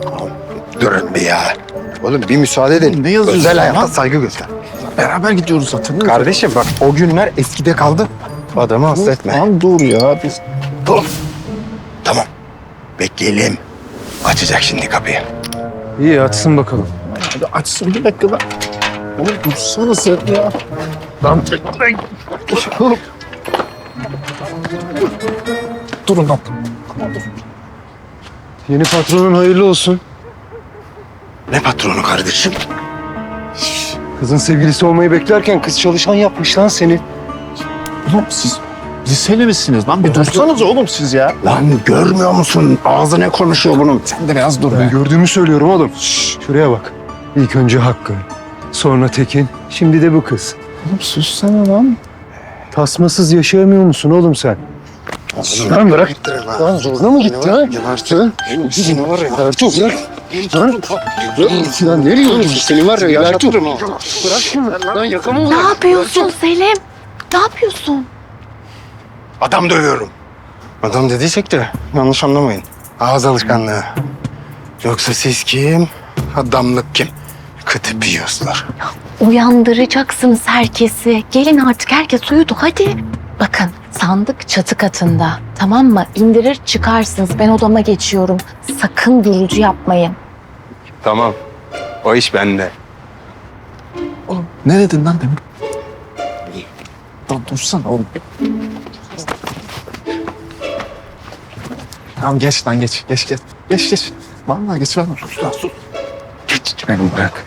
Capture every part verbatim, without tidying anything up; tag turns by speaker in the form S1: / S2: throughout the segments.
S1: Durun bir ya. Oğlum bir müsaade edin.
S2: Ne yazıyorsun
S1: Özel
S2: lan?
S1: hayata saygı göster.
S2: Beraber gidiyoruz zaten.
S1: Kardeşim bak o günler eskide kaldı. Adamı hasta etme.
S2: Lan dur ya. Biz...
S1: Dur. Tamam. Bekleyelim. Açacak şimdi kapıyı.
S3: İyi açsın bakalım.
S2: Hadi açsın bir dakika lan. Oğlum dursana sen ya. Lan oğlum. Durun lan.
S3: Yeni patronun hayırlı olsun.
S1: Ne patronu kardeşim?
S3: Kızın sevgilisi olmayı beklerken kız çalışan yapmış lan seni.
S2: Oğlum siz liseli misiniz lan? Bir dursanız oğlum siz ya.
S1: Lan görmüyor musun? Ağzı ne konuşuyor bunun?
S2: Sen de biraz dur
S3: Ben
S2: be.
S3: gördüğümü söylüyorum oğlum. Şşş, şuraya bak. İlk önce Hakkı, sonra Tekin, şimdi de bu kız.
S2: Oğlum sussana lan.
S3: Tasmasız yaşayamıyor musun oğlum sen?
S1: Lan bırak.
S3: Lan zoruna mı gitti ha?
S1: Gebertin. Seni var ya.
S3: Ertuğ bırak. Lan, lan nereye gidiyorsun? Seni var ya Ertuğ. Bırak şunu. Lan yakamı
S4: Ne yapıyorsun Selim? Ne yapıyorsun?
S1: Adam dövüyorum. Adam dediysek de yanlış anlamayın. Ağız alışkanlığı. Yoksa siz kim? Adamlık kim? Kıtı piyoslar.
S4: Uyandıracaksınız herkesi. Gelin artık, herkes uyudu hadi. Bakın, sandık çatı katında. Tamam mı? İndirir çıkarsınız. Ben odama geçiyorum. Sakın gürültü yapmayın.
S1: Tamam. O iş bende.
S2: Oğlum ne dedin lan demin? Lan dursana oğlum. Tamam geç lan geç. Geç geç. Geç geç. Vallahi geç lan. Sus lan sus.
S1: Geç beni bırak.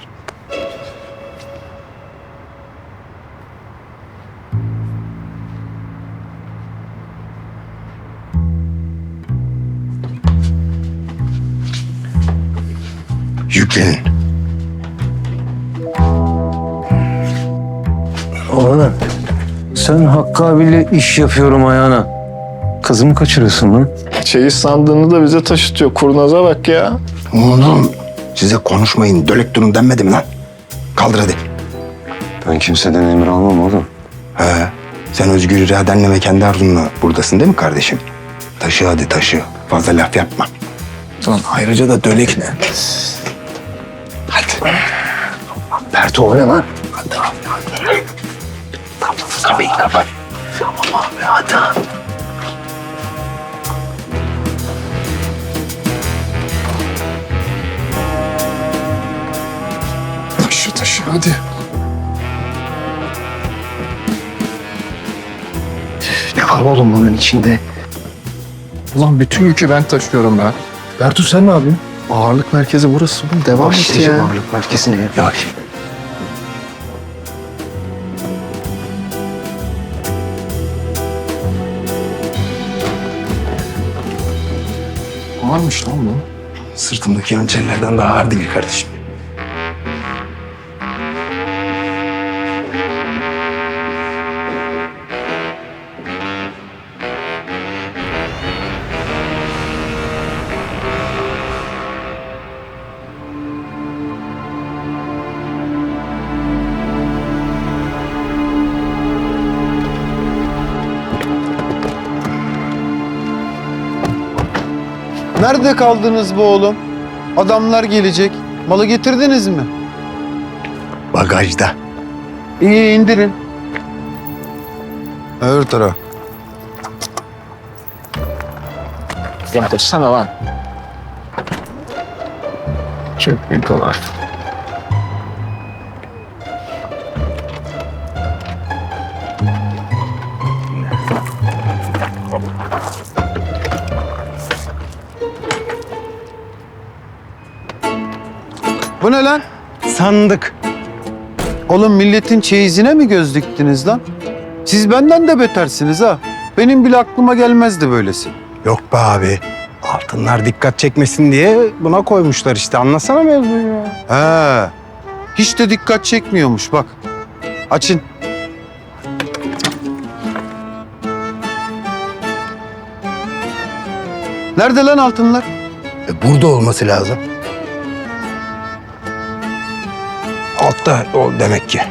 S1: Yüklenin.
S3: Oğlum sen Hakkı abiyle iş yapıyorum ayağına. Kızımı kaçırıyorsun lan.
S2: Çeyiz sandığını da bize taşıtıyor. Kurnaza bak ya.
S1: Oğlum size konuşmayın, dölek durun denmedim lan. Kaldır hadi.
S3: Ben kimseden emir almam oğlum.
S1: He, sen özgür iradenle ve kendi arzunla buradasın değil mi kardeşim? Taşı hadi taşı. Fazla laf yapma.
S2: Lan ayrıca da dölek ne?
S1: Hadi. Berto o ne lan? Hadi abi hadi. Tamam kapıyı kapat. Tamam abi hadi.
S2: Taşı taşı hadi.
S3: Ne var oğlum bunun içinde?
S2: Ulan bütün yükü ben taşıyorum ben.
S3: Bertu sen ne yapıyorsun?
S2: Ağırlık merkezi burası. Oğlum devam et ya.
S3: Başlayacağım ağırlık merkezine. Ya
S2: Ağırmış lan bu.
S1: Sırtımdaki hançerlerden daha ağır değil kardeşim.
S5: Nerede kaldınız bu oğlum? Adamlar gelecek. Malı getirdiniz mi?
S1: Bagajda.
S5: İyi indirin. Öbür taraf.
S2: Lan dursana lan. Çok büyük olay.
S5: Bu ne lan?
S1: Sandık.
S5: Oğlum milletin çeyizine mi göz diktiniz lan? Siz benden de betersiniz ha. Benim bile aklıma gelmezdi böylesi.
S1: Yok be abi. Altınlar dikkat çekmesin diye buna koymuşlar işte. Anlasana mevzuyu ya.
S5: He. Hiç de dikkat çekmiyormuş bak. Açın. Nerede lan altınlar?
S1: E, burada olması lazım. Altta o demek ki.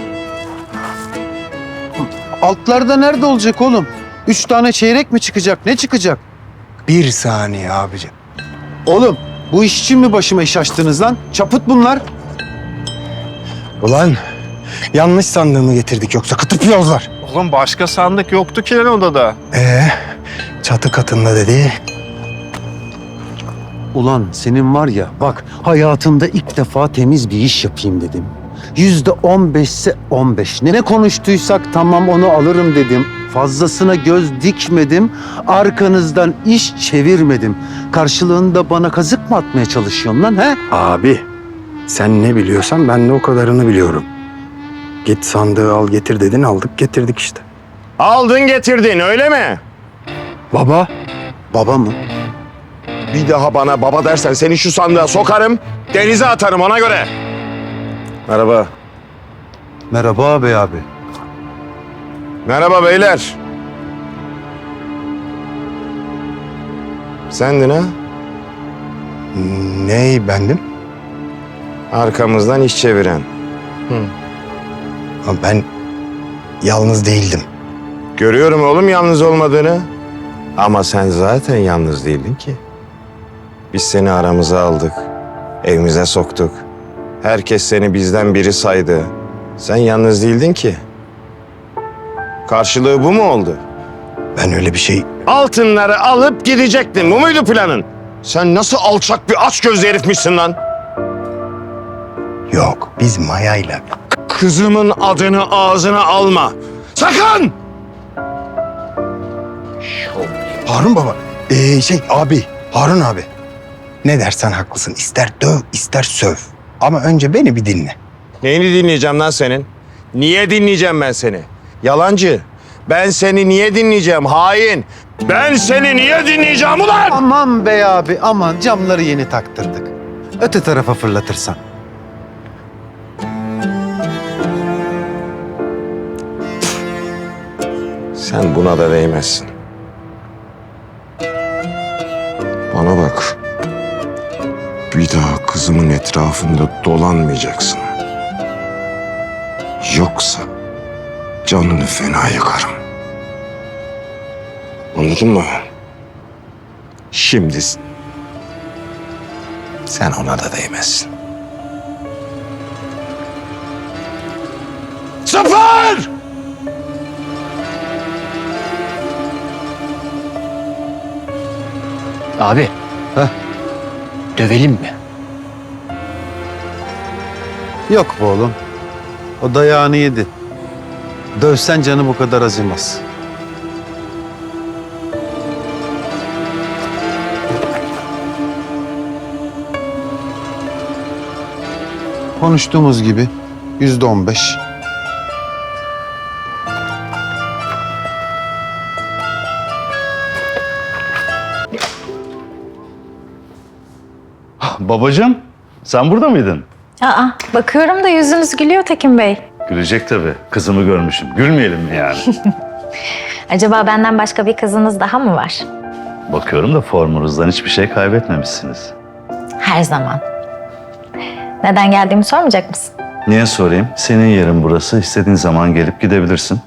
S5: Altlarda nerede olacak oğlum? Üç tane çeyrek mi çıkacak? Ne çıkacak?
S1: Bir saniye abicim.
S5: Oğlum Bu iş için mi başıma iş açtınız lan? Çaput bunlar.
S1: Ulan yanlış sandığımı getirdik yoksa kıtıp yozlar.
S2: Oğlum başka sandık yoktu ki lan odada.
S1: Ee, çatı katında dedi.
S5: Ulan senin var ya bak hayatımda ilk defa temiz bir iş yapayım dedim. Yüzde on beşse on beş. Ne konuştuysak tamam onu alırım dedim. Fazlasına göz dikmedim. Arkanızdan iş çevirmedim. Karşılığında bana kazık mı atmaya çalışıyorsun lan he?
S1: Abi sen ne biliyorsan ben de o kadarını biliyorum. Git sandığı al getir dedin, aldık getirdik işte.
S3: Aldın getirdin öyle mi?
S1: Baba.
S5: Baba mı?
S3: Bir daha bana baba dersen seni şu sandığa sokarım, denize atarım ona göre. Merhaba.
S5: Merhaba abi abi.
S3: Merhaba beyler. Sendin ha?
S1: Ney bendim?
S3: Arkamızdan iş çeviren.
S1: Ama ben yalnız değildim.
S3: Görüyorum oğlum yalnız olmadığını. Ama sen zaten yalnız değildin ki. Biz seni aramıza aldık. Evimize soktuk. Herkes seni bizden biri saydı. Sen yalnız değildin ki. Karşılığı bu mu oldu?
S1: Ben öyle bir şey...
S3: Altınları alıp gidecektin. Bu muydu planın? Sen nasıl alçak bir açgözlü herifmişsin lan?
S1: Yok, biz Maya'yla...
S3: Kızımın adını ağzına alma. Sakın!
S1: Harun baba. Ee, şey abi, Harun abi. Ne dersen haklısın. İster döv, ister söv. Ama önce beni bir dinle.
S3: Neyini dinleyeceğim lan senin? Niye dinleyeceğim ben seni? Yalancı. Ben seni niye dinleyeceğim hain? Ben seni niye dinleyeceğim ulan?
S5: Aman be abi aman camları yeni taktırdık. Öte tarafa fırlatırsan.
S3: Sen buna da değmezsin. Bana bak. Bir daha kızımın etrafında dolanmayacaksın. Yoksa canını fena yakarım. Anladın mı? Şimdi sen ona da değmezsin. Sıfır!
S2: Abi.
S5: Heh.
S2: Dövelim mi?
S5: Yok be oğlum. O dayağını yedi. Dövsen canı bu kadar acımaz. Konuştuğumuz gibi yüzde on beş.
S6: Babacığım, sen burada mıydın?
S4: Aa, bakıyorum da yüzünüz gülüyor Tekin Bey.
S6: Gülecek tabii. Kızımı görmüşüm. Gülmeyelim mi yani?
S4: Acaba benden başka bir kızınız daha mı var?
S6: Bakıyorum da formunuzdan hiçbir şey kaybetmemişsiniz.
S4: Her zaman. Neden geldiğimi sormayacak mısın?
S6: Niye sorayım? Senin yerin burası. İstediğin zaman gelip gidebilirsin.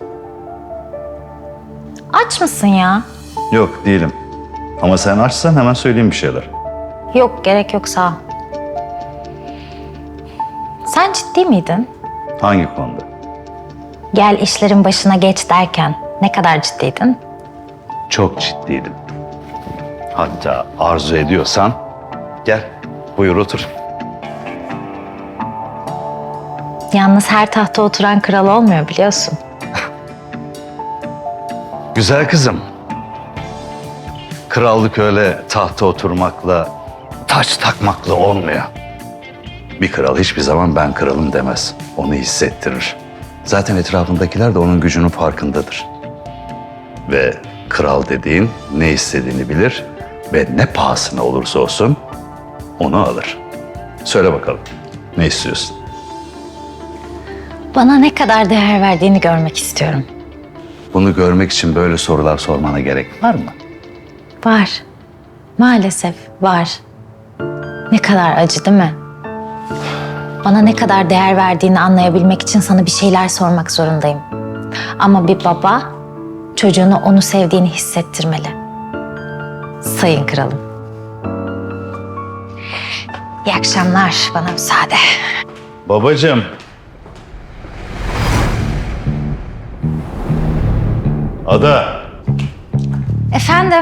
S4: Aç mısın ya?
S6: Yok, değilim. Ama sen açsan hemen söyleyeyim bir şeyler.
S4: Yok, gerek yok sağ ol. Sen ciddi miydin?
S6: Hangi konuda?
S4: Gel işlerin başına geç derken ne kadar ciddiydin?
S6: Çok ciddiydim. Hatta arzu ediyorsan gel, buyur otur.
S4: Yalnız her tahta oturan kral olmuyor biliyorsun.
S6: Güzel kızım. Krallık öyle tahta oturmakla, taç takmakla olmuyor. Bir kral hiçbir zaman ben kralım demez. Onu hissettirir. Zaten etrafındakiler de onun gücünün farkındadır. Ve kral dediğin ne istediğini bilir ve ne pahasına olursa olsun onu alır. Söyle bakalım, ne istiyorsun?
S4: Bana ne kadar değer verdiğini görmek istiyorum.
S6: Bunu görmek için böyle sorular sormana gerek var mı?
S4: Var. Maalesef var. Ne kadar acı değil mi? Bana ne kadar değer verdiğini anlayabilmek için sana bir şeyler sormak zorundayım. Ama bir baba çocuğuna onu sevdiğini hissettirmeli. Sayın kralım. İyi akşamlar. Bana müsaade.
S6: Babacığım. Ada.
S4: Efendim?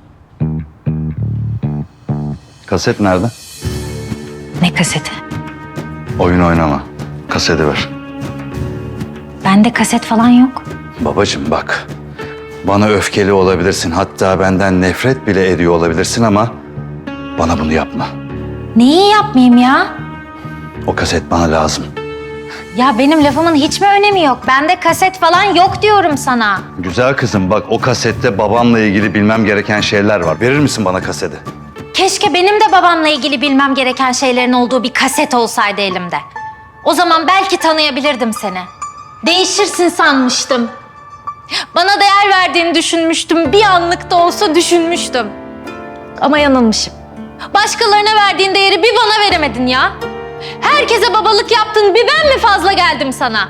S6: Kaset nerede?
S4: Ne kaseti?
S6: Oyun oynama. Kaseti ver.
S4: Bende kaset falan yok.
S6: Babacığım bak. Bana öfkeli olabilirsin. Hatta benden nefret bile ediyor olabilirsin ama bana bunu yapma.
S4: Neyi yapmayayım ya?
S6: O kaset bana lazım.
S4: Ya benim lafımın hiç mi önemi yok? Bende kaset falan yok diyorum sana.
S6: Güzel kızım bak o kasette babamla ilgili bilmem gereken şeyler var. Verir misin bana kaseti?
S4: Keşke benim de babamla ilgili bilmem gereken şeylerin olduğu bir kaset olsaydı elimde. O zaman belki tanıyabilirdim seni. Değişirsin sanmıştım. Bana değer verdiğini düşünmüştüm. Bir anlık da olsa düşünmüştüm. Ama yanılmışım. Başkalarına verdiğin değeri bir bana veremedin ya. Herkese babalık yaptın, bir ben mi fazla geldim sana?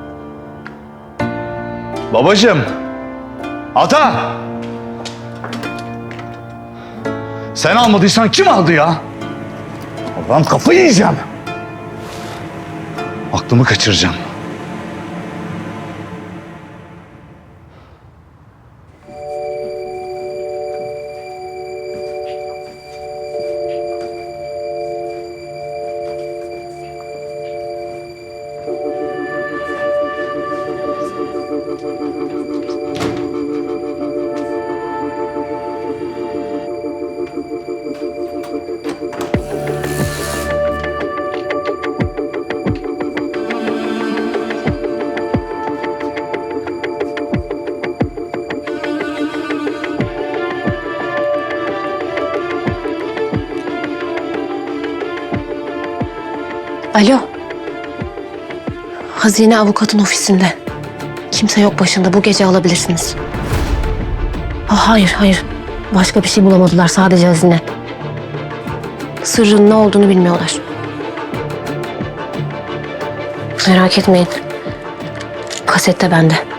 S6: Babacığım. Ata. Sen almadıysan kim aldı ya? Allah'ım kafayı yiyeceğim. Aklımı kaçıracağım.
S7: Alo. Hazine avukatın ofisinde. Kimse yok başında. Bu gece alabilirsiniz. Ah, hayır, hayır. Başka bir şey bulamadılar. Sadece hazine. Sırrın ne olduğunu bilmiyorlar. Merak etmeyin. Kaset de bende.